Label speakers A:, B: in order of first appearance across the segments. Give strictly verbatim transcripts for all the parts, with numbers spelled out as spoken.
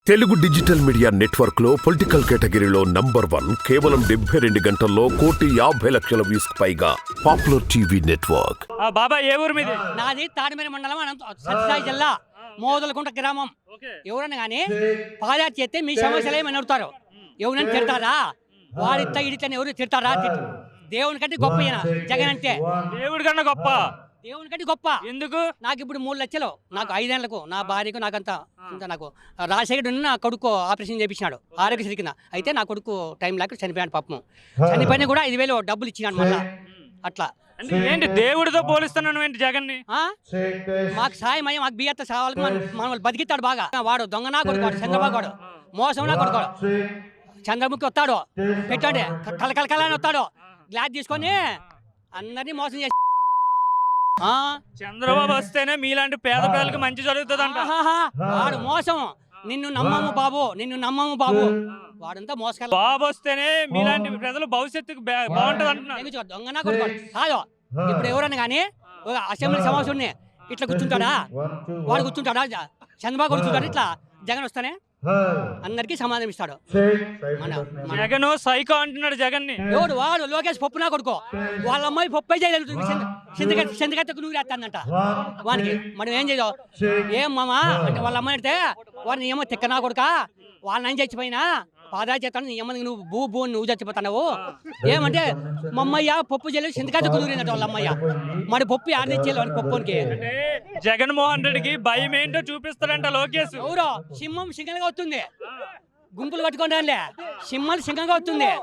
A: Telugu digital media network లో political కేటగిరీలో number one కేవలం డెబ్బై రెండు గంటల్లో కోటి యాభై లక్షల వ్యూస్ పైగా పాపులర్ టీవీ నెట్వర్క్.
B: బాబా ఏ ఊరు మీది?
C: నాది తాడిమేర మండలం సత్యసాయి జిల్లా మోదలకుంట గ్రామం. ఎవరన్నా కానీ పాదయాత్ర చేస్తే మీ సమస్యలు ఏమని అడుగుతారు. ఎవరైనా తిడతారా? వాడిట్లా ఇడిట్లని ఎవరు తిడతారా? దేవుని కంటే గొప్ప జగన్ అంటే.
B: దేవుడి కన్నా గొప్ప
C: దేవుని కంటే గొప్ప.
B: ఎందుకు?
C: నాకు ఇప్పుడు మూడు లక్షలు నాకు ఐదేళ్లకు నా భార్యకు నాకంతా అంత నాకు రాజశేఖర్ నా కొడుకు ఆపరేషన్ చేయించినాడు ఆరోగ్యశ్రీ కింద. అయితే నా కొడుకు టైం లేక చనిపోయాడు పాపం. చనిపోయినా కూడా ఐదు వేలు డబ్బులు ఇచ్చినాడు మళ్ళా. అట్లా
B: ఏంటి దేవుడితో పోలిస్తున్నాను ఏంటి జగన్ ని?
C: మాకు సాయం అయ్యి మాకు బియ్యత్త సావాలకు మన బతికిస్తాడు బాగా. వాడు దొంగనా కొడుకోడు, చంద్రబాబు వాడు మోసంనా కొడుకోడు. చంద్రముఖి వస్తాడు పెట్టండి కలకలకల అని వస్తాడు, గ్లాస్ తీసుకొని అందరినీ మోసం చేసి.
B: చంద్రబాబు వస్తేనే మీలాంటి పేద పేదలకు మంచి జరుగుతుందంట.
C: వాడు మోసం. నిన్ను నమ్మము బాబు, నిన్ను నమ్మము బాబు. వాడంతా మోసకాల.
B: బాబు వస్తేనే మీలాంటి ప్రజలు భవిష్యత్తుకు బాగుంటది అంటున్నారు.
C: దొంగనా కొడుకోడు కాదు. ఇప్పుడు ఎవరన్నా కానీ అసెంబ్లీ సమావేశం ఇట్లా కూర్చుంటాడా? వాడు కూర్చుంటాడా? చంద్రబాబు కూర్చుంటాడు. ఇట్లా జగన్ వస్తానే అందరికి సమాధానం ఇస్తాడు.
B: జగన్ సైకో అంటున్నాడు జగన్ ని.
C: ఎవడు? వాడు లోకేష్ పప్పునా కొడుకో. వాళ్ళ అమ్మాయి పప్పే చేయలేదు, చింతకత్తకు నువ్వు వేస్తానంట వానికి. మనం ఏం చేయదు. ఏం మామా అంటే వాళ్ళ అమ్మాయి అంటే వాడిని ఏమో తిక్కనా కొడుక, వాళ్ళని ఏం చచ్చిపోయినా పాదాలు చేస్తాను నీ ఏమన్నా నువ్వు భూ భూ నువ్వు చచ్చిపోతున్నావు. ఏమంటే మా అమ్మయ్య పప్పు చేయలేదు, చింతకత్తకు నూరినట్టు వాళ్ళ అమ్మయ్య. మరి పప్పు ఆడ తెచ్చేయాలి వాడి పప్పుకి.
B: జగన్మోహన్ రెడ్డికి భయం ఏంటో చూపిస్తాడంట లోకేష్.
C: ఎవరో సింహం సింగంగా వస్తుంది, గుంపులు కట్టుకోండి. సింహాలు సింగంగా వస్తుంది.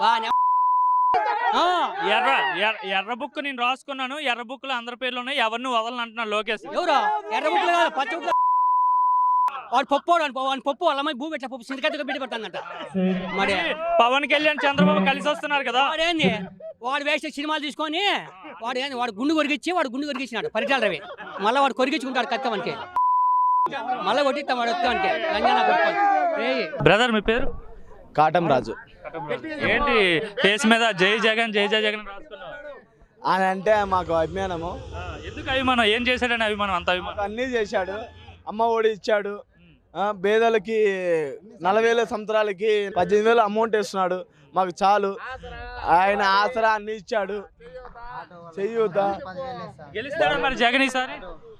B: ఎర్ర ఎర్ర బుక్ నేను రాసుకున్నాను, ఎర్ర బుక్ లో అందరి పేర్లు ఉన్నాయి, ఎవరిని వదలని అంటున్నాడు లోకేష్.
C: ఎవరో ఎర్ర బుక్లు కాదు పచ్చ బుక్. వాడు పప్పు వాడి పప్పు వాళ్ళ అమ్మాయి భూ పెట్ట పప్పు సింతకత్తగా పెట్టి పడుతుందంట. మరి
B: పవన్ కళ్యాణ్ చంద్రబాబు కలిసి వస్తున్నారు కదా.
C: వాడేంది వాడు వేసే సినిమాలు తీసుకొని వాడు ఏంది వాడు గుండు కొరికిచ్చి వాడు గుండు కొరికిచ్చినాడు పరిటాల రవి. మళ్ళీ వాడు కొరికించుకుంటాడు కత్తవనికి, మళ్ళీ కొట్టిస్తాం వాడు వస్తానికి.
B: బ్రదర్ మీ పేరు?
D: కాటం రాజు.
B: ఏంటి ఫేస్ మీద జై జగన్ జై జై జగన్ రాసుకున్నావు?
D: అని అంటే మాకు అభిమానము.
B: ఎందుకు అభిమానం? ఏం చేశాడని అభిమానం? అంత అభిమానం
D: అన్నీ చేశాడు. అమ్మ ఒడి ఇచ్చాడు, పేదలకి నలభై వేల సంవత్సరాలకి పద్దెనిమిది వేలు అమౌంట్ ఇస్తున్నాడు. మాకు చాలు. ఆయన ఆసరా అన్ని ఇచ్చాడు. చెయ్యూత
B: గెలుస్తాడు మరి జగన్ ఈసారి?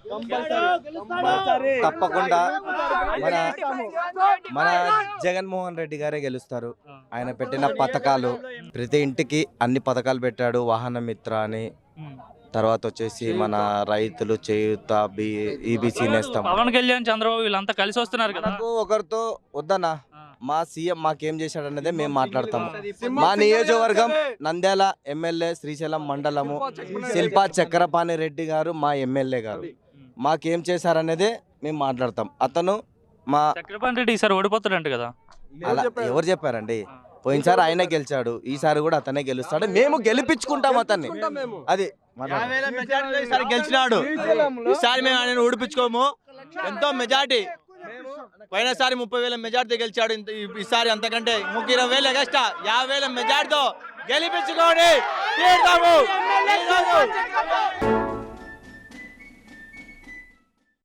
E: తప్పకుండా మన మన జగన్మోహన్ రెడ్డి గారే గెలుస్తారు. ఆయన పెట్టిన పథకాలు ప్రతి ఇంటికి అన్ని పథకాలు పెట్టాడు. వాహన మిత్ర అని, తర్వాత వచ్చేసి మన రైతులు చేయూత, ఈబీసీ నేస్తం.
B: పవన్ కళ్యాణ్ చంద్రబాబు వీళ్ళంతా కలిసి వస్తున్నారు కదా.
E: ఒకరితో వద్దనా, మా సీఎం మాకేం చేశాడు అన్నదే మేము మాట్లాడతాము. మా నియోజకవర్గం నంద్యాల ఎమ్మెల్యే శ్రీశైలం మండలము శిల్పా చక్రపాణి రెడ్డి గారు మా ఎమ్మెల్యే గారు. మాకేం చేశారనేదే మేము మాట్లాడతాం. అతను మా
B: చక్రపాణి రెడ్డి ఈసారి ఓడిపోతాడంట కదా.
E: అలా ఎవరు చెప్పారండి? పోయినసారి ఆయనే గెలిచాడు, ఈసారి కూడా అతనే గెలుస్తాడు. మేము గెలిపించుకుంటాం అతన్ని. అది
F: ఈసారి గెలిచినాడు, ఈసారి మేము ఆయన ఓడిపించుకోము. ఎంతో మెజార్టీ. పోయినసారి ముప్పై వేల మెజార్టీ గెలిచాడు. ఈసారి అంతకంటే ముప్పై ఇరవై వేలు ఎగస్ట్రా యాభై వేల మెజార్టీతో గెలిపించుకోండి.